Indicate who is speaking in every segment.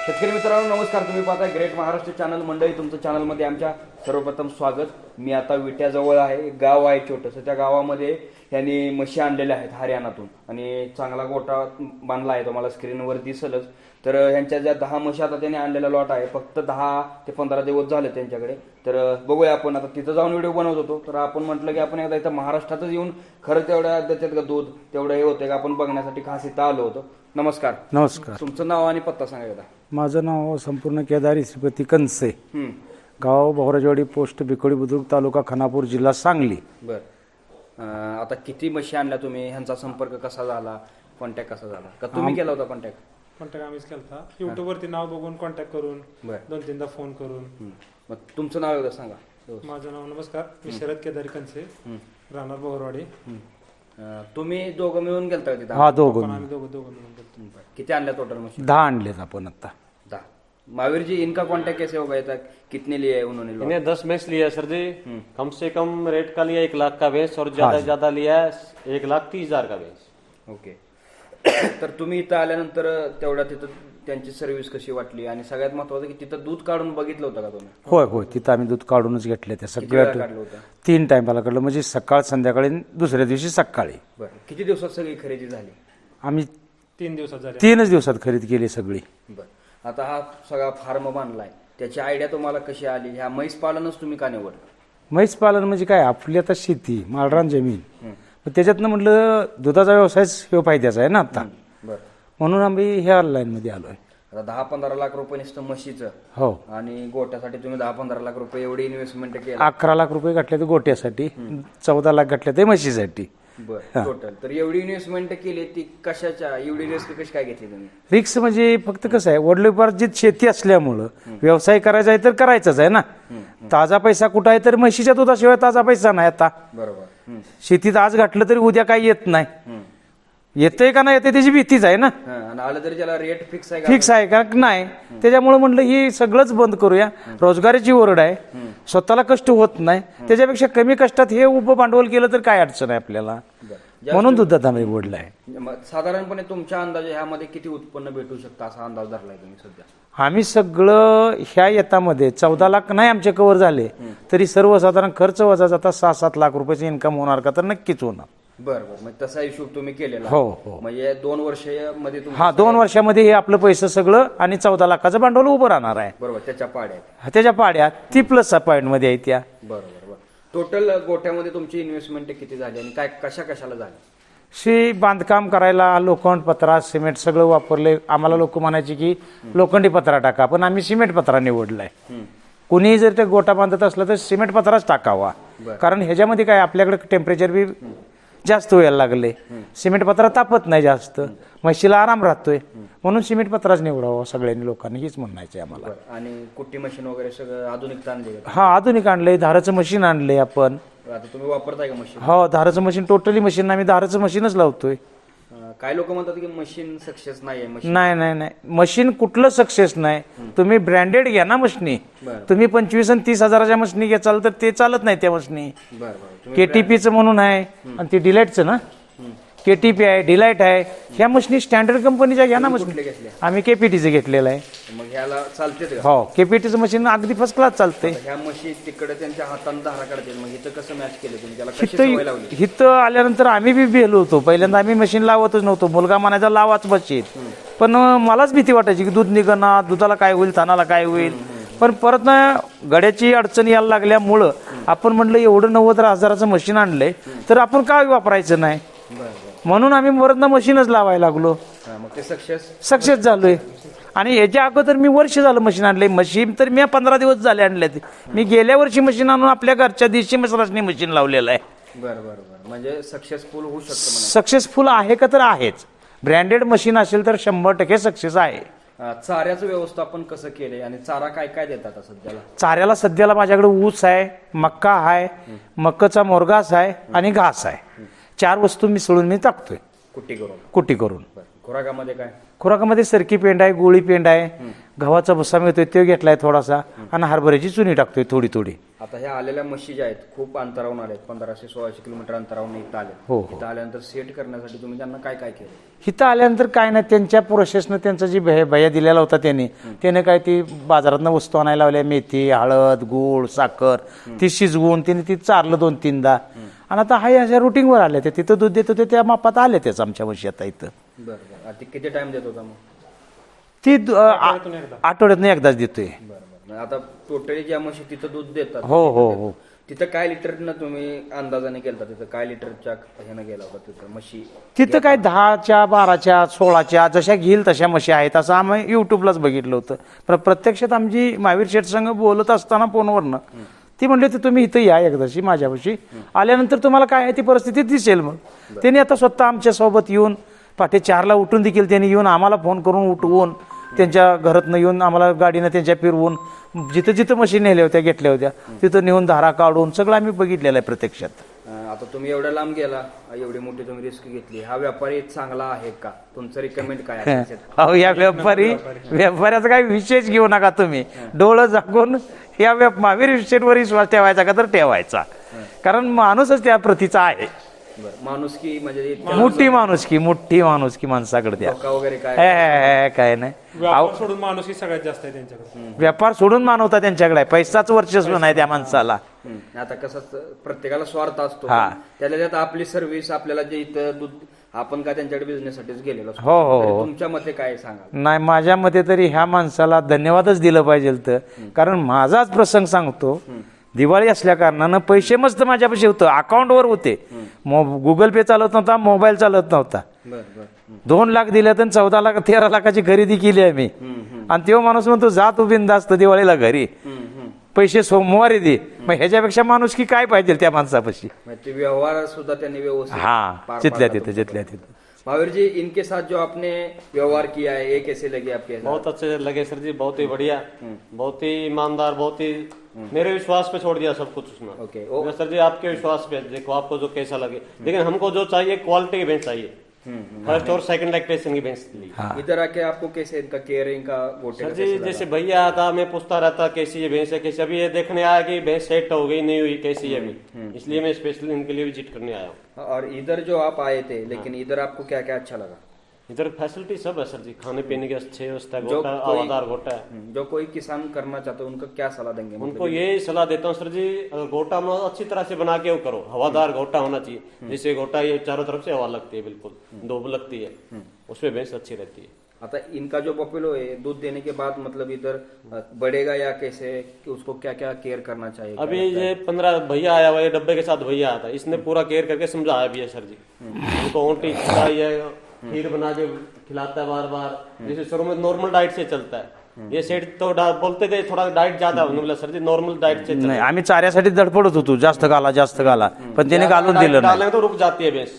Speaker 1: शेतकरी मित्रांनो नमस्कार. तुम्ही पाहताय ग्रेट महाराष्ट्र चॅनल मंडळी. तुमचं चॅनलमध्ये आमच्या सर्वप्रथम स्वागत. मी आता विट्याजवळ आहे. एक गाव आहे छोटंसं. त्या गावामध्ये यांनी म्हशी आणलेल्या आहेत हरियाणातून आणि चांगला गोठा बांधला आहे. तुम्हाला स्क्रीनवर दिसलच. तर ह्यांच्या ज्या 10 म्हशी आता त्यांनी आणलेला लॉट आहे. फक्त 10 ते 15 दिवस झाले त्यांच्याकडे. तर बघूया आपण आता तिथं जाऊन व्हिडिओ बनवत होतो. तर आपण म्हटलं की आपण एकदा इथं महाराष्ट्रातच येऊन खरं तेवढ्या देतात का दूध तेवढं हे होते का आपण बघण्यासाठी खास इथं आलो होतो. नमस्कार.
Speaker 2: नमस्कार.
Speaker 1: तुमचं नाव आणि पत्ता सांगा एकदा.
Speaker 2: माझं नाव संपूर्ण केदारी श्रीपती कंसे, गाव भोवराजवाडी, पोस्ट बिकोडी बुद्रुक, तालुका खानापूर, जिल्हा सांगली.
Speaker 1: बर. आता किती म्हशी आणल्या तुम्ही? ह्यांचा संपर्क कसा झाला? कॉन्टॅक्ट कसा झाला? का तुम्ही केला होता कॉन्टॅक्ट?
Speaker 3: कॉन्टॅक्ट आम्हीच केला. युट्यूब वरती नाव बघून कॉन्टॅक्ट करून
Speaker 1: बर.
Speaker 3: 2-3दा फोन करून.
Speaker 1: मग तुमचं नाव एकदा सांगा.
Speaker 3: माझं नाव नमस्कार, मी शरद केदारी कंसे, राहणार बोहरवाडी.
Speaker 1: तुम्ही दोघं मिळून गेलता का तिथं?
Speaker 2: हा, दोघं
Speaker 3: आम्ही दोघं मिळून गेलो.
Speaker 1: बरं. किती आणल्या टोटल म्हशी?
Speaker 2: 10 आणलेत आपण आता.
Speaker 1: 10. महावीर जी, इनका कांटेक्ट कैसे होगा? तक कितने लिए उन्होंने?
Speaker 4: इन्हें 10 भैंस लिया सर जी. कम से कम रेट का लिया 1 लाख का भैंस और ज्यादा से ज्यादा लिया 1,30,000 का भैंस.
Speaker 1: ओके. तर तुम्ही इथं आल्यानंतर तेवढ्या तिथं त्यांची सर्व्हिस कशी वाटली आणि सगळ्यात महत्वाचं की तिथं दूध काढून बघितलं होतं का तुम्ही?
Speaker 2: होय होय, तिथं आम्ही दूध काढूनच घेतले. त्या
Speaker 1: किती वेळा
Speaker 2: सगळ्या
Speaker 1: काढलं होतं?
Speaker 2: 3 टायमाला काढलं, म्हणजे सकाळ संध्याकाळी दुसऱ्या दिवशी सकाळी.
Speaker 1: बरं. किती दिवसात सगळी खरेदी झाली?
Speaker 2: आम्ही
Speaker 3: 3 दिवसात झाले.
Speaker 2: 3च दिवसात खरेदी केली सगळी.
Speaker 1: बरं. आता हा सगळा फार्म बांधलाय, त्याची आयडिया तुम्हाला कशी आली? ह्या म्हैस पालनच तुम्ही का निवडलं?
Speaker 2: म्हैस पालन म्हणजे काय, आपली आता शेती, माळरान जमीन, मग त्याच्यातनं म्हटलं दुधाचा व्यवसायच हे फायद्याचा आहे ना आता,
Speaker 1: बरं.
Speaker 2: म्हणून आम्ही ह्या लाईनमध्ये आलोय.
Speaker 1: आता 10-15 लाख रुपये नुसतं म्हशीचं
Speaker 2: हो,
Speaker 1: आणि गोट्यासाठी तुम्ही 10-15 लाख रुपये एवढी इन्व्हेस्टमेंट केली.
Speaker 2: 11 लाख रुपये घातले ते गोट्यासाठी, 14 लाख घातले ते म्हशीसाठी.
Speaker 1: बरं. टोटल तर एवढी इन्व्हेस्टमेंट केली ती कशाच्या? एवढी रिस्क कशी काय घेतली तुम्ही?
Speaker 2: रिक्स म्हणजे फक्त कसं आहे, वडिलोपार्जित शेती असल्यामुळं व्यवसाय करायचा आहे तर करायचाच आहे ना. ताजा पैसा कुठं आहे? तर म्हशीच्या दुधाशिवाय ताजा पैसा नाही आता.
Speaker 1: बरोबर.
Speaker 2: शेतीत आज घातलं तरी उद्या काही येत नाही. येतंय का नाही येते त्याची भीतीच आहे ना.
Speaker 1: आणि आलं तरी त्याला रेट फिक्स आहे का?
Speaker 2: फिक्स आहे का नाही, त्याच्यामुळे म्हणलं हे सगळंच बंद करूया. रोजगाराची ओरड आहे, स्वतःला कष्ट होत नाही, त्याच्यापेक्षा कमी कष्टात हे उभं भांडवल केलं तर काय अडचण आहे आपल्याला. म्हणून दुधात आम्ही बोललाय.
Speaker 1: साधारणपणे तुमच्या अंदाजे ह्यामध्ये किती उत्पन्न भेटू शकतं असा अंदाज धरलाय तुम्ही सध्या?
Speaker 2: आम्ही सगळं ह्या येतामध्ये 14 लाख नाही आमचे कव्हर झाले तरी सर्वसाधारण खर्च वजा जाता 6-7 लाख रुपयाचे इन्कम होणार का? तर नक्कीच होणार.
Speaker 1: बरं. मग तसा हिशोब तुम्ही केलेला?
Speaker 2: हो हो.
Speaker 1: म्हणजे 2 वर्षामध्ये
Speaker 2: हा, 2 वर्षामध्ये हे आपलं पैसे सगळं आणि 14 लाखाचं भांडवल उभं राहणार आहे.
Speaker 1: बरोबर. त्याच्या पाड्यात
Speaker 2: त्याच्या पाड्या ती प्लस पॉईंट मध्ये आहे त्या.
Speaker 1: बरोबर. टोटल गोठ्यामध्ये तुमची इन्व्हेस्टमेंट किती झाली आणि काय कशाला झाली?
Speaker 2: बांधकाम करायला लोखंड, पत्रा, सिमेंट सगळं वापरले. आम्हाला लोक म्हणायचे की लोखंडी पत्रा टाका, पण आम्ही सिमेंट पत्रा निवडलाय. कुणीही जर ते गोठा बांधत असला तर सिमेंट पत्राच टाकावा. कारण ह्याच्यामध्ये काय, आपल्याकडे टेम्परेचर बी जास्त व्हायला लागले. सिमेंट पत्रा तापत नाही जास्त, म्हशीला आराम राहतोय, म्हणून सिमेंट पत्राच निवडावा सगळ्यांनी, लोकांनी हीच म्हणायचंय आम्हाला.
Speaker 1: आणि कुट्टी मशीन वगैरे सगळं आधुनिक आणले?
Speaker 2: हा, आधुनिक आणलंय. धाराचं मशीन आणलंय आपण.
Speaker 1: आता तुम्ही वापरताय का मशीन?
Speaker 2: हो, धाराचं मशीन, टोटली मशीन. आम्ही धाराचं मशीनच लावतोय.
Speaker 1: काय लोक म्हणतात की मशीन सक्सेस नाहीये.
Speaker 2: नाही नाही नाही, मशीन कुठलं सक्सेस नाही. तुम्ही ब्रँडेड घ्या ना मशीनी. तुम्ही 25 आणि 30 हजाराच्या मशीनी घ्याल तर ते चालत नाही त्या मशीनी. केटीपीचं म्हणून आहे आणि ती डिलाईटचं ना, केटीपी आहे, डिलाईट आहे. ह्या मशीनी स्टँडर्ड कंपनीच्या घ्या ना मशीन. आम्ही केपीटीचं घेतलेलं आहे.
Speaker 1: मग ह्याला चालते?
Speaker 2: हो, केपीटीचं मशीन अगदी फर्स्ट क्लास चालतंय.
Speaker 1: ह्या मशीन तिकडे त्यांच्या हाताने धारा काढते, मग इथं कसं मॅच केलं तुम्ही? त्याला कशी सवय लावली?
Speaker 2: इथं आल्यानंतर आम्ही बी भेलो होतो. पहिल्यांदा आम्ही मशीन लावतच नव्हतो. मुलगा म्हणायचा लावाच मशीन, पण मलाच भीती वाटायची की दूध निघणार, दुधाला काय होईल, थानाला काय होईल. पण परत ना गड्याची अडचण यायला लागल्यामुळं आपण म्हटलं एवढं 90 हजाराचं मशीन आणलंय तर आपण काय वापरायचं नाही, म्हणून आम्ही परत ना मशीनच लावायला लागलो.
Speaker 1: मग ते
Speaker 2: सक्सेस झालोय. आणि याच्या अगोदर मी वर्ष झालं मशीन आणलंय. मशीन तर मी 15 दिवस झाले आणले. मी गेल्या वर्षी मशीन आणून आपल्या घरच्या दिवशी मसरासनी मशीन लावलेलं आहे.
Speaker 1: बरं. म्हणजे सक्सेसफुल होऊ शकतं?
Speaker 2: सक्सेसफुल आहे का? तर आहेच. ब्रँडेड मशीन असेल तर 100% सक्सेस आहे.
Speaker 1: चाऱ्याचं व्यवस्थापन कसं केलंय आणि चारा काय काय देतात सध्याला?
Speaker 2: चाऱ्याला सध्याला माझ्याकडे ऊस आहे, मक्का आहे, मक्काचा मोरगास आहे आणि घास आहे. 4 वस्तू मिसळून मी टाकतोय कुट्टी करून.
Speaker 1: खुराकामध्ये काय?
Speaker 2: खुराकामध्ये सरकी पेंड आहे, गोळी पेंड आहे, गव्हाचा भुसा मिळतोय तो घेतलाय थोडासा, आणि हरभऱ्याची चुनी टाकतोय थोडी थोडी.
Speaker 1: आता ह्या आलेल्या म्हशी ज्या आहेत खूप अंतरावून आल्या आहेत, 1500-1600 किलोमीटर अंतरावून इथं आले.
Speaker 2: हो, हो.
Speaker 1: इथं आल्यानंतर सेट करण्यासाठी तुम्ही त्यांना काय काय केलं?
Speaker 2: इथं आल्यानंतर काय नाही, त्यांच्या प्रोसेसनं त्यांचा जी भया दिलेला होता त्याने काय ती बाजारातनं वस्तू आणायला लावल्या, मेथी, हळद, गूळ, साखर, ती शिजवून त्याने ती चारलं 2-3दा. आणि आता हा अशा रुटीनवर आले ते, तिथं दूध देत होते त्या मापात आले त्याच आमच्या म्हशी आता इथं.
Speaker 1: बरं. ती किती टाइम देत होता मग?
Speaker 2: ती आठवड्यातनं एकदाच देतोय.
Speaker 1: बरं. आता टोटली ज्या म्हशी तिथं दूध देतात,
Speaker 2: हो.
Speaker 1: तिथं काय लिटरनं तुम्ही अंदाजाने केलता? तिथं काय लिटरच्या ह्यानं गेला होता तिथं म्हशी?
Speaker 2: तिथं काय 10च्या 12च्या 16च्या जशा घेईल तशा म्हशी आहेत असं आम्ही युट्यूबलाच बघितलं होतं. पण प्रत्यक्षात आमची महावीर शेठ संघ बोलत असताना फोनवरनं ती म्हणली होती तुम्ही इथं या एकदाशी माझ्यापाशी, आल्यानंतर तुम्हाला काय आहे ती परिस्थिती दिसेल. मग त्यांनी आता स्वतः आमच्यासोबत येऊन पहाटे 4ला उठून देखील त्यांनी येऊन आम्हाला फोन करून उठवून त्यांच्या घरातनं येऊन आम्हाला गाडीनं त्यांच्या फिरवून जिथं जिथं म्हशी नेल्या होत्या घेतल्या होत्या तिथं नेऊन धारा काढून सगळं आम्ही बघितलेलं आहे प्रत्यक्षात.
Speaker 1: आता तुम्ही एवढ्या लांब गेला, एवढी मोठी तुम्ही रिस्क घेतली, हा व्यापारी चांगला आहे का? तुमचं रिकमेंड काय आहे?
Speaker 2: अहो या व्यापाऱ्याचा काही विशेष घेऊ नका तुम्ही. डोळं झाकून या महावीर शेठवर विश्वास ठेवायचा का तर ठेवायचा, कारण माणूसच त्या प्रतीचा आहे.
Speaker 1: माणुसकी म्हणजे
Speaker 2: मोठी माणुसकी माणसाकडे द्या.
Speaker 1: धोका वगैरे काय?
Speaker 2: काय नाही,
Speaker 3: व्यापार सोडून माणूस ही सगळ्यात जास्त आहे त्यांच्याकडे.
Speaker 2: व्यापार सोडून मानवता त्यांच्याकडे आहे, पैसाच वर्चस्व नाही त्या माणसाला.
Speaker 1: आता कसं प्रत्येकाला स्वार्थ असतो,
Speaker 2: हा.
Speaker 1: त्याला त्यात आपली सर्व्हिस आपल्याला जे इथं दूध आपण काय त्यांच्याकडे बिझनेससाठीच गेलेलो असतो.
Speaker 2: हो.
Speaker 1: तरी तुमच्या मते काय सांगा?
Speaker 2: नाही, माझ्या मते तरी ह्या माणसाला धन्यवादच दिलं पाहिजे तर, कारण माझाच प्रसंग सांगतो. दिवाळी असल्या कारणानं पैसे मस्त माझ्यापाशी होतं, अकाउंटवर होते. गुगल पे चालत नव्हता, मोबाईल चालत नव्हता. 2 लाख दिले तर 14 लाख 13 लाखाची खरेदी केली आम्ही. आणि तो माणूस म्हणतो जा तू बिनधास्त दिवाळीला घरी, पैसे सोमवारी दे. मग ह्याच्यापेक्षा माणूस की काय पाहिजे त्या माणसापाशी?
Speaker 1: व्यवहार सुद्धा त्यांनी व्यवस्थित
Speaker 2: हा, जिथल्या तिथं.
Speaker 1: महावीर जी, इनके साथ जो आपने व्यवहार किया है ये कैसे लगे आपके?
Speaker 4: बहुत अच्छे लगे सर जी, बहुत ही बढ़िया, बहुत ही ईमानदार, बहुत ही मेरे विश्वास पे छोड़ दिया सब कुछ उसने.
Speaker 1: ओके.
Speaker 4: सर जी आपके विश्वास पे, देखो आपको जो कैसा लगे, लेकिन हमको जो चाहिए क्वालिटी की भैंस चाहिए, फर्स्ट और सेकंड लैक्टेशन की भैंस ली.
Speaker 1: इधर आके आपको कैसे इनका केयरिंग का गोटे
Speaker 4: सर जी जैसे भैया आता मैं पूछता रहता कैसी ये भैंस है, कैसी, अभी ये देखने आया कि भैंस सेट हो गई नहीं हुई कैसी है अभी, इसलिए मैं स्पेशली इनके लिए विजिट करने आया हूँ.
Speaker 1: और इधर जो आप आए थे, लेकिन इधर आपको क्या क्या अच्छा लगा?
Speaker 4: इधर फैसिलिटी सब है सर जी, खाने पीने की अच्छी व्यवस्था,
Speaker 1: जो
Speaker 4: गोटा
Speaker 1: कोई-
Speaker 4: हवादार गोटा है.
Speaker 1: जो कोई किसान करना चाहता है उनको क्या सलाह देंगे?
Speaker 4: उनको यही सलाह देता हूँ सर जी, अगर गोटा में अच्छी तरह से बना के वो करो, हवादार गोटा होना चाहिए. जैसे गोटा ये चारों तरफ से हवा लगती है, बिल्कुल धूप लगती है, उसमें भैंस अच्छी रहती है.
Speaker 1: आता इनका जो बफेलो है दूध देने के बाद मतलब इधर बढ़ेगा या कैसे, कि उसको क्या क्या केयर करना चाहिए?
Speaker 4: अभी ये 15 भैया आया हुआ, ये डब्बे के साथ भैया आता, इसने पूरा केयर करके समझाया भी है सर जी. उनको ओंटी खिलाई, खीर बना के खिलाता है बार बार, जैसे शुरू में नॉर्मल डाइट से चलता है. ये सेठ तो बोलते थे थोड़ा डाइट ज्यादा होने बोला सर जी, नॉर्मल डाइट से
Speaker 2: नाही, आम्ही चाऱ्यासाठी धडपडत होतो, जास्त घाला, पण त्याने घालून दिलं नाही.
Speaker 4: डालेंगे तो रुक जाती है भैंस.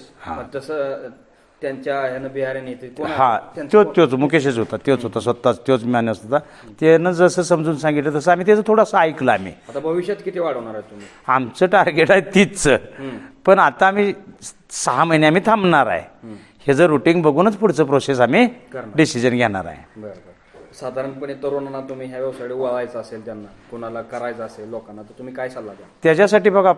Speaker 1: तसं त्यांच्या ह्यानं बिहारी येते कोण?
Speaker 2: हा, तोच मुकेशच होता, तोच होता, स्वतःच तोच मॅनेज होता. त्यानं जसं समजून सांगितलं तसं आम्ही त्याचं थोडंसं ऐकलं. आम्ही
Speaker 1: आता भविष्यात किती वाढवणार आहे तुम्ही?
Speaker 2: आमचं टार्गेट आहे 30चं, पण आता आम्ही 6 महिने आम्ही थांबणार आहे. हे जर रुटीन बघूनच पुढचं प्रोसेस आम्ही डिसिजन घेणार आहे.
Speaker 1: बरं. साधारणपणे तरुणांना तुम्ही ह्या व्यवसायाकडे वळायचं असेल, त्यांना कोणाला करायचं असेल लोकांना, तर तुम्ही काय सल्ला द्या?
Speaker 2: त्याच्यासाठी बघा,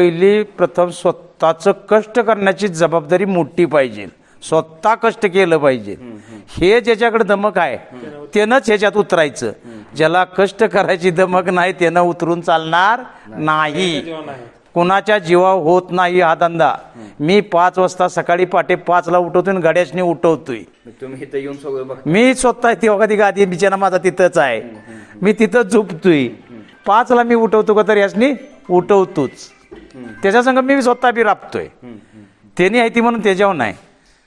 Speaker 2: प्रथम स्वतःचं कष्ट करण्याची जबाबदारी मोठी पाहिजे. स्वतः कष्ट केलं पाहिजे. हे ज्याच्याकडे दमक आहे त्यानंच ह्याच्यात उतरायचं. ज्याला कष्ट करायची दमक नाही त्यानं उतरून चालणार नाही. कुणाच्या जीवावर होत नाही हा धंदा. मी 5 वाजता सकाळी पहाटे 5ला उठवतोय, गाड्याशनी उठवतोय.
Speaker 1: तुम्ही इथं येऊन सगळं बघ.
Speaker 2: मी स्वतः ती ती गादी बिचारा माझा तिथंच आहे, मी तिथंच झोपतोय. 5ला मी उठवतो का तर यासनी उठवतोच. त्याच्या संग मी स्वतः बी राबतोय. त्यांनी आहे ती म्हणून त्याच्यावर नाही.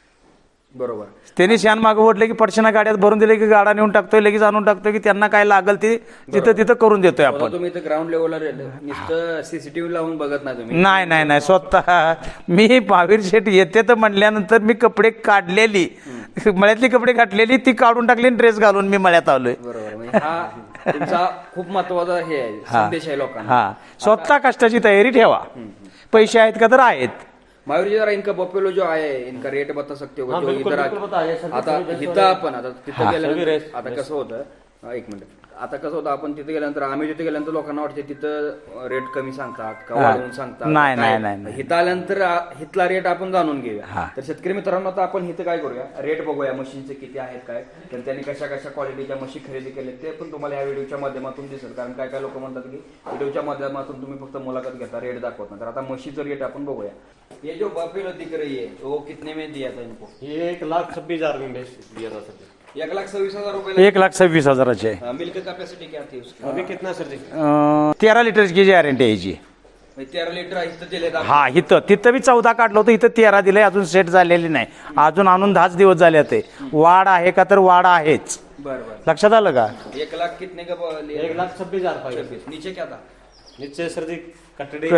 Speaker 1: बरोबर.
Speaker 2: त्यांनी शान मागं ओढले की पडशाना गाड्यात भरून दिले की गाडा नेऊन टाकतोय, लगेच आणून टाकतोय, की त्यांना काय लागल ते तिथं करून देतोय आपण.
Speaker 1: तुम्ही इथं ग्राउंड लेवलला नुसतं सीसीटीव्ही लावून बघत नाही तुम्ही?
Speaker 2: नाही, स्वतः मी महावीर शेठ येते तर म्हणल्यानंतर मी कपडे काढलेली, मळ्यातली कपडे घातलेली ती काढून टाकली, ड्रेस घालून मी मळ्यात आलोय.
Speaker 1: बरोबर. म्हणजे हा तुमचा खूप महत्वाचा हे आहे, संदेश आहे लोकांना.
Speaker 2: हा, स्वतः कष्टाची तयारी ठेवा. पैसे आहेत का तर आहेत.
Speaker 1: महावीर जी, जरा इनका बफेलो जो आहे इनका रेट बता सकते हो?
Speaker 4: हाँ,
Speaker 1: जो
Speaker 4: बिल्कुल,
Speaker 1: इधर
Speaker 4: बिल्कुल बताइए सर.
Speaker 1: आता इथं आपण आता तिथं गेल्यानंतर आता कसं होतं, एक मिनिट, आता कसं होतं, आपण तिथे गेल्यानंतर, आम्ही तिथे गेल्यानंतर लोकांना वाटते तिथं रेट कमी सांगतात का
Speaker 2: हा.
Speaker 1: वाढवून सांगतात.
Speaker 2: नाही,
Speaker 1: काय?
Speaker 2: नाही, नाही.
Speaker 1: इथं आल्यानंतर इथला रेट आपण जाणून
Speaker 2: हा.
Speaker 1: घेऊया. तर शेतकरी मित्रांनो, आता आपण इथं काय करूया, रेट बघूया मशीनचे किती आहेत काय, तर त्यांनी कशा कशा क्वालिटीच्या मशीन खरेदी केले ते पण तुम्हाला ह्या व्हिडिओच्या माध्यमातून दिसेल. कारण काय काय लोक म्हणतात की व्हिडिओच्या माध्यमातून तुम्ही फक्त मुलाखत घेता, रेट दाखवत नाही. तर आता म्हशीचं रेट आपण बघूया. ये जो बफेलो दिख रही है वो कितने में दिया था इनको?
Speaker 4: ये 1,26,000 में बेच दिया था सर जी।
Speaker 1: 1,26,000 रुपये.
Speaker 2: 1,26,000 आहे.
Speaker 1: मिल्क कैपेसिटी क्या थी उसकी?
Speaker 4: अभी कितना सर जी?
Speaker 2: 13 लिटरची गॅरंटी आहे याची.
Speaker 1: 13 लिटर इथं दिले का?
Speaker 2: हा, तिथं बी 14 काढलं होतं, इथं 13 दिलंय. अजून सेट झालेली नाही, अजून आणून 10 दिवस झाले ते. वाढ आहे का? तर वाढ आहेच.
Speaker 1: बर बर.
Speaker 2: लक्षात आलं का?
Speaker 1: 1 लाख कितने का
Speaker 4: 1,26,000 पाहिजे।
Speaker 1: 26. नीचे क्या था?
Speaker 4: नीचे सर जी कटड़ी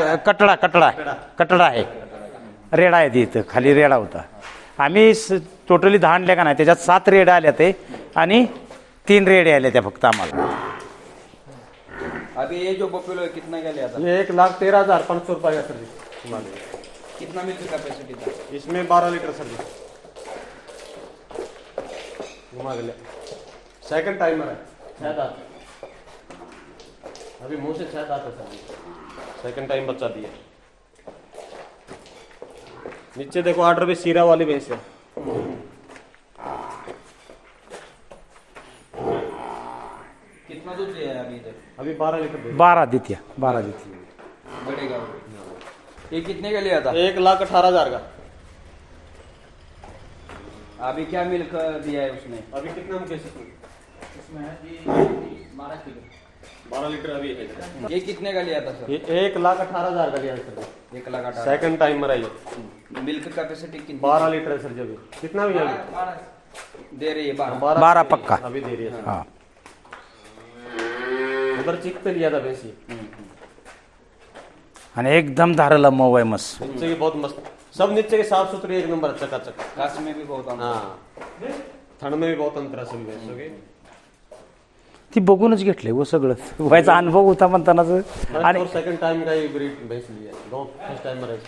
Speaker 2: कटडा आहे, रेडा आहे इथं खाली, रेडा होता. आम्ही टोटली 10 आणल्या का नाही, त्याच्यात 7 रेडा आल्या ते आणि 3 रेडे आल्या त्या फक्त आम्हाला.
Speaker 1: अभी ये जो बफेलो है कितना का लिया था?
Speaker 4: ये 1,13,500 रुपए का सर जी।
Speaker 1: कितना मिल्क कैपेसिटी था?
Speaker 4: इसमें 12 लीटर सर जी। घुमा के ले। सेकंड टाइमर है, शायद आता अभी मुंह से शायद आता सर जी। सेकंड टाइम बच्चा दिया। नीचे देखो ऑर्डर भी सीरा वाली भैंस है।
Speaker 1: कितना दूध दिया है अभी इधर?
Speaker 4: अभी 12 लीटर दे।
Speaker 2: 12 देत्या.
Speaker 1: बढ़ेगा वो. ये कितने का लिया था?
Speaker 4: 1,18,000 का।
Speaker 1: अभी क्या मिल्क दिया है उसने?
Speaker 4: अभी कितना हम कैसे
Speaker 1: इसमें है
Speaker 4: 12 लीटर अभी है।
Speaker 1: ये कितने का लिया था सर?
Speaker 4: ये 1,18,000 का लिया सर।
Speaker 1: 1,18,000.
Speaker 4: सेकंड टाइमर है ये।
Speaker 1: मिल्क कैपेसिटी कितनी?
Speaker 4: 12 लीटर है सर जी। अभी कितना भी अभी
Speaker 1: दे रही है 12.
Speaker 2: 12 पक्का.
Speaker 4: अभी दे रही है।
Speaker 2: हा,
Speaker 4: उधर चिक पे लिया था भैंसी।
Speaker 2: आणि एकदम धारला मऊ आहे मस्त.
Speaker 4: नीचे की बहुत मस्त, सब नीचे के साफ सुथरे एक नंबर, चकाचक।
Speaker 1: घास में भी बहुत अंतर.
Speaker 4: हाँ, ठंड में भी बहुत अंतर है सभी भैंसों के।
Speaker 2: ती बघूनच घेतलंय वो सगळं. व्हायचा अनुभव होता म्हणतानाच. आणि
Speaker 4: और सेकंड टाइम का ये ब्रीड भैंस लिया, दो फर्स्ट टाइम में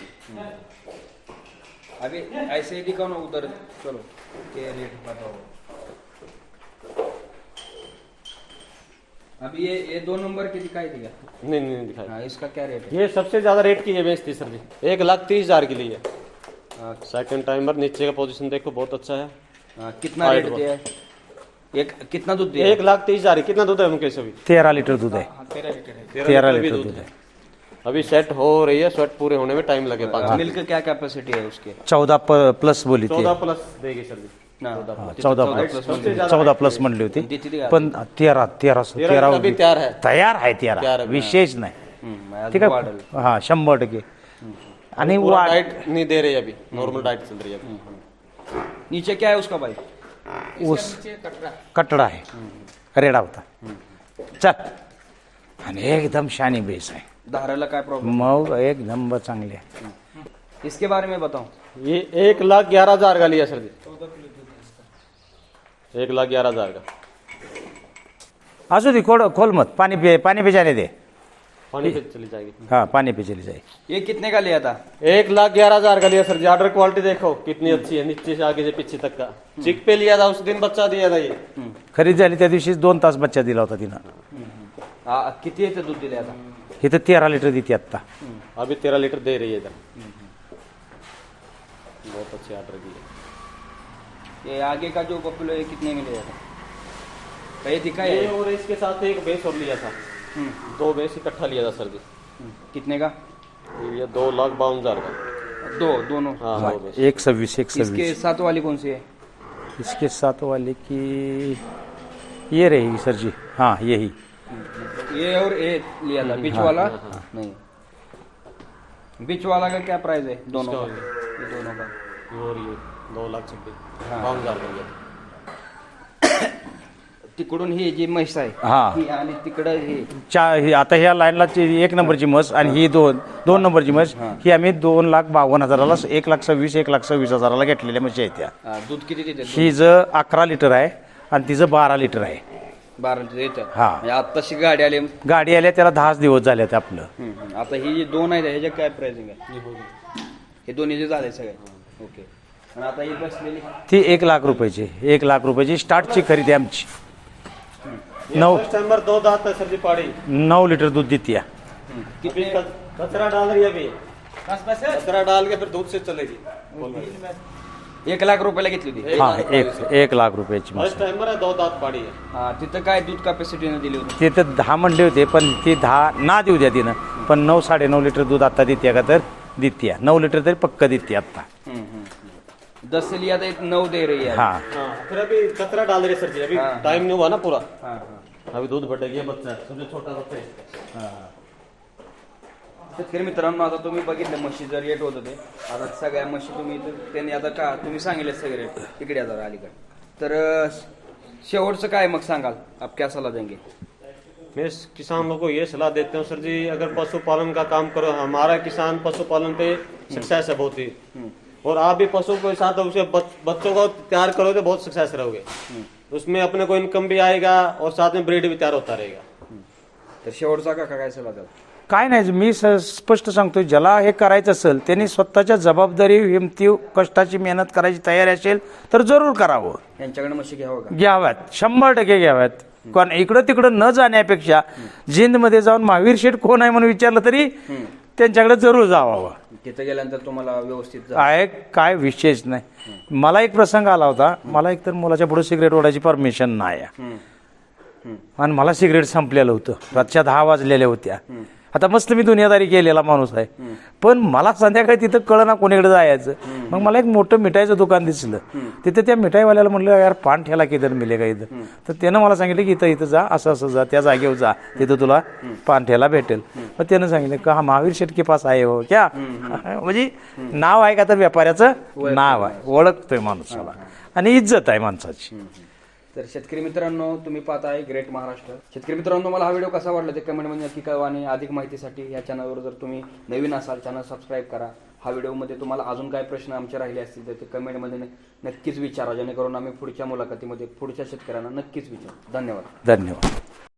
Speaker 1: अभी ऐसे ही दिखाओ ना उधर. चलो के रेट बताओ. अभी ये 2 नंबर की दिखाई थी क्या?
Speaker 4: नहीं नहीं दिखाई।
Speaker 1: हाँ, इसका क्या रेट है?
Speaker 4: ये सबसे ज्यादा रेट की ये भैंस थी सर जी। 1,30,000 की ली है।
Speaker 1: हाँ,
Speaker 4: सेकंड टाइमर, नीचे का पोजीशन देखो बहुत अच्छा है।
Speaker 1: हाँ, कितना रेट दिया है? एक कितना दूध दिया?
Speaker 4: 1,30,000। कितना दूध है उनके सभी?
Speaker 2: 13 लिटर दूध आहे.
Speaker 1: 13 लीटर है.
Speaker 2: 13
Speaker 4: भी
Speaker 2: लिटर
Speaker 4: दूध
Speaker 2: दूध
Speaker 4: है।
Speaker 2: आहे.
Speaker 4: अभी सेट हो रही है, सेट पूरे होने में टाइम लगे 5
Speaker 1: मिल्क क्या कैपेसिटी है उसके?
Speaker 2: 14 प्लस बोली ती.
Speaker 4: 14 प्लस देगी सर जी।
Speaker 1: हाँ,
Speaker 2: 14
Speaker 4: सबसे ज्यादा
Speaker 2: 14 प्लस म्हणली होती.
Speaker 1: किती दिली?
Speaker 2: पण 13
Speaker 4: अभी तैयार है।
Speaker 2: तयार आहे.
Speaker 4: तयार
Speaker 2: 13
Speaker 4: आहे.
Speaker 2: विशेष नाही.
Speaker 1: अजून
Speaker 2: ठीक आहे.
Speaker 1: वाढेल.
Speaker 2: हा, 100%. आणि
Speaker 4: पूरा
Speaker 2: वाढ
Speaker 4: डाइट नहीं दे रही अभी, नॉर्मल डाइट चल रही है अभी।
Speaker 1: नीचे क्या है उसका भाई?
Speaker 2: ऊस कटडा आहे, रेडा होता. चल. आणि एकदम शानी बेस आहे.
Speaker 1: धाराला काय प्रॉब्लेम?
Speaker 2: मग एकदम चांगली आहे.
Speaker 1: इसके बारे में बताओ.
Speaker 4: ये 1,11,000 का लिया सर जी। 1,11,000 का।
Speaker 2: असू दे, खोल मत. पाणी पे जाने दे.
Speaker 4: पानी पे चली जाएगी।
Speaker 2: हा, पाणी पे चली जाए.
Speaker 1: ये कितने का लिया था?
Speaker 4: 1,11,000 का लिया सर जी। ऑर्डर क्वालिटी देखो कितनी अच्छी है, नीचे से आगे से पीछे तक का। चिक पे लिया था, उस दिन बच्चा दिया था ये।
Speaker 2: खरीद झाली त्या दिवशी 2 तास बच्चा दिला होता तिनं.
Speaker 1: किती येते दूध दिले आता?
Speaker 2: इथं 13 लिटर देते आत्ता.
Speaker 4: अभी 13 लीटर दे रही है इधर। बहुत अच्छी ऑर्डर दी है।
Speaker 1: ये आगे का जो बफेलो है कितने में लिया था? ये दिखा है?
Speaker 4: ये और इसके साथ एक भैंस और लिया था। 2 भैंस इकट्ठा लिया था सर जी।
Speaker 1: कितने का?
Speaker 4: ये 2,52,000 का।
Speaker 1: दोनों.
Speaker 4: हाँ, 2 भैंस।
Speaker 2: 126
Speaker 1: इसके साथ वाली कौन सी है?
Speaker 2: इसके साथ वाले की ये रहेगी सर जी. हाँ, यही.
Speaker 1: ये और ये लिया था बीच वाला? नहीं. बीच वाला का क्या प्राइस है दोनों का? ये दोनों का
Speaker 4: और ये 2,26,000
Speaker 1: हाँ.
Speaker 4: का लिया था।
Speaker 1: तिकडून ही जी म्हैस आहे
Speaker 2: हा.
Speaker 1: ही आणि तिकडं ही
Speaker 2: आता ह्या लाईनला 1 नंबरची म्हस आणि ही 2 नंबरची म्हस. ही आम्ही 2,52,000ला 1,26,000 1,26,000ला घेतलेल्या म्हशी आहेत त्या.
Speaker 1: दूध किती देते?
Speaker 2: ही 11 लिटर आहे आणि तिचं 12 लिटर आहे.
Speaker 1: 12 लिटर येतात.
Speaker 2: हा.
Speaker 1: म्हणजे आत्ताशी गाडी आली.
Speaker 2: गाडी आल्या त्याला 10 दिवस झाले आपलं.
Speaker 1: आता ही जी 2 आहेत ह्याच्या काय प्राइसिंग आहे? हे दोन्ही जे झाले सगळे. ओके. आणि आता ही बसलेली
Speaker 2: ती 1,00,000 रुपयाची. 1,00,000 रुपयाची स्टार्टची खरेदी आमची. नौ
Speaker 4: फर्स्ट टाइमर 2 दांत है सर जी पाड़ी।
Speaker 2: 9 लिटर दूध देती है।
Speaker 4: अभी कचरा डाल रही है अभी, कचरा डाल के फिर दूध से चलेगी।
Speaker 1: 1 लाख रुपयाला घेतली होती।
Speaker 2: हा 1 लाख रुपयाची म्हैस
Speaker 4: फर्स्ट टाइमर है, 2 दांत पाड़ी है।
Speaker 1: हा, तिथं काय दूध कॅपॅसिटीने दिली होती?
Speaker 2: तिथे 10 मंडे होते, पण ती 10 ना देऊ द्या तिनं, पण 9 9.5 लिटर दूध आता देते का, तर देते 9 लिटर तरी पक्क देते आता।
Speaker 1: 10 से लिया था 9 दे रही है।
Speaker 2: हा
Speaker 4: हाँ, फिर अभी कचरा डाल रही है सर जी, अभी
Speaker 1: हाँ।
Speaker 4: टाइम नहीं हुआ ना पूरा,
Speaker 1: हाँ,
Speaker 4: अभी दूध बढ़ेगी। बच्चा है, सबसे छोटा बच्चा है।
Speaker 1: शेतकरी मित्रांनो, आता तुम्ही बघितलं म्हशीचं रेट होत होते, आता सगळ्या म्हशी तुम्ही त्यांनी आता का तुम्ही सांगितले सगळे रेट तिकडे आता अलीकडे, तर शेवटचं काय मग सांगाल, आप क्या सलाह देंगे?
Speaker 4: मैं इस किसानों को ये सलाह देता हूँ सर जी, अगर पशुपालन का काम करो, हमारा किसान पशुपालन पे सक्सेस है बहुत ही, और आप भी पशु के साथ उसे बच्चों को तैयार करो तो बहुत सक्सेस रहोगे। उसमें अपने को इनकम भी आएगा और साथ में ब्रीड भी तैयार होता रहेगा।
Speaker 1: तर शेवटचा का काय सलाह द्याल?
Speaker 2: काय नाही, मी स्पष्ट सांगतो, ज्याला हे करायचं असेल त्यांनी स्वतःच्या जबाबदारी, हिमती, कष्टाची मेहनत करायची तयारी असेल तर जरूर करावं,
Speaker 1: यांच्याकडे म्हशी घ्यावं का?
Speaker 2: घ्याव्यात, 100% घ्याव्यात। कारण इकडं तिकडं न जाण्यापेक्षा जिंदमध्ये जाऊन महावीर शेठ कोण आहे म्हणून विचारलं तरी त्यांच्याकडे जरूर जावावं।
Speaker 1: तिथं गेल्यानंतर तुम्हाला व्यवस्थित
Speaker 2: काय विशेष नाही। मला एक प्रसंग आला होता, मला एकतर मुलाच्या पुढे सिगरेट ओढायची परमिशन नाही आहे, आणि मला सिगरेट संपलेलं होतं, रातच्या 10 वाजलेल्या होत्या। आता मस्त मी दुनियादारी केलेला माणूस आहे, पण मला संध्याकाळी तिथं कळना कोणीकडे जायचं। मग मला एक मोठं मिठाईचं दुकान दिसलं, तिथे त्या मिठाईवाल्याला म्हणलं, यार पान ठेला किधर मिलेगा इथं, तर त्यानं मला सांगितलं की इथं जा, असं जा, त्या जागेवर जा, तिथं तुला पान ठेला भेटेल। मग त्यानं सांगितलं का, हा महावीर शेठ के पास आहे हो क्या, म्हणजे नाव आहे का तर व्यापाऱ्याचं नाव आहे, ओळखतोय माणसाला, आणि इज्जत आहे माणसाची।
Speaker 1: तर शेतकरी मित्रांनो, तुम्ही पाहताय ग्रेट महाराष्ट्र। शेतकरी मित्रांनो, मला हा व्हिडिओ कसा वाटला ते कमेंटमध्ये नक्की कळवा, आणि अधिक माहितीसाठी या चॅनलवर जर तुम्ही नवीन असाल चॅनल सबस्क्राईब करा। हा व्हिडिओमध्ये तुम्हाला अजून काय प्रश्न आमचे राहिले असतील तर ते कमेंटमध्ये नक्कीच विचारा, जेणेकरून आम्ही पुढच्या मुलाखतीमध्ये पुढच्या शेतकऱ्यांना नक्कीच विचारू। धन्यवाद।
Speaker 2: धन्यवाद।